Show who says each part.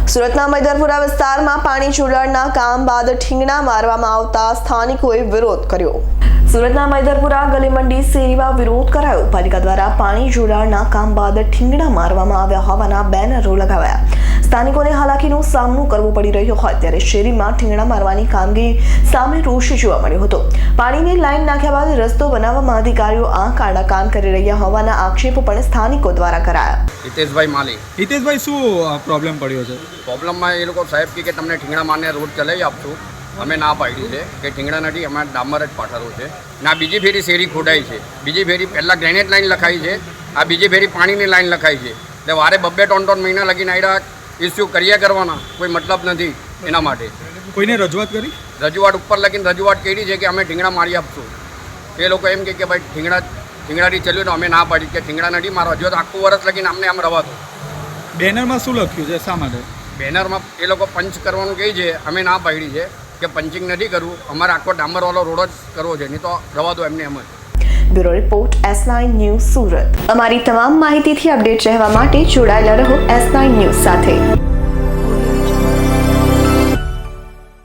Speaker 1: સુરતના મૈદરપુરા વિસ્તારમાં પાણી જોડાણના કામ બાદ ઠીંગણા મારવામાં આવતા સ્થાનિકોએ વિરોધ કર્યો। સુરતના મૈદરપુરા ગલી મંડી શેરીમાં વિરોધ કરાયો। પાલિકા દ્વારા પાણી જોડાણના કામ બાદ ઠીંગણા મારવામાં આવ્યા હોવાના બેનરો લગાવાયા। સ્થાનિકોને હાલાકીનો સામનો કરવો પડી રહ્યો હોય ત્યારે શેરીમાં ઠીંગણા મારવાની કામગીરી સામે રોષ જોવા મળ્યો હતો। પાણીની લાઈન નાખ્યા બાદ રસ્તો બનાવવામાં અધિકારીઓ આંખ આડા કામ કરી રહ્યા હોવાના આક્ષેપો પણ સ્થાનિકો દ્વારા કરાયા।
Speaker 2: હિતેશભાઈ માલી।
Speaker 3: હિતેશભાઈ, શું પ્રોબ્લેમ પડ્યો છે?
Speaker 2: પ્રોબ્લેમમાં એ લોકો સાહેબ કે તમને ઠીંગણા મારને રોડ ચલાવી આપશું, અમે ના પાડી છે કે ઠીંગણા નથી, અમારે ડામર જ પાથરવું છે। ના બીજી ફેરી શેરી ખોડાઈ છે, બીજી ફેરી પહેલાં ગ્રેનેડ લાઈન લખાઈ છે, આ બીજી ફેરી પાણીની લાઈન લખાઈ છે। એટલે વારે 2-3 મહિના લગીને આવ્યા ઇસ્યુ કર્યા કરવાના કોઈ મતલબ નથી। એના માટે
Speaker 3: કોઈને રજૂઆત કરી?
Speaker 2: રજૂઆત ઉપર લગીને રજૂઆત કરી છે કે અમે ઠીંગણા મારી આપશું। એ લોકો એમ કે ભાઈ ઠીંગણાથી ચલ્યું તો અમે ના પાડી કે ઠીંગણા નથી મારવા, જો તો આખું વર્ષ લગીને અમને આમ રવા દો।
Speaker 3: બેનરમાં શું લખ્યું છે? શા માટે?
Speaker 2: બેનરમાં એ લોકો પંચ કરવાનું કહે છે, અમે ના પાડી છે કે પંચિંગ નથી કરવું, અમારે આખો ડામરવાળો રોડ જ કરવો છે, નહીં તો રવા દો એમને એમ જ।
Speaker 1: Bureau report S9 news Surat. અમારી તમામ માહિતીથી અપડેટ રહેવા માટે જોડાયેલા રહો S9 ન્યૂઝ સાથે।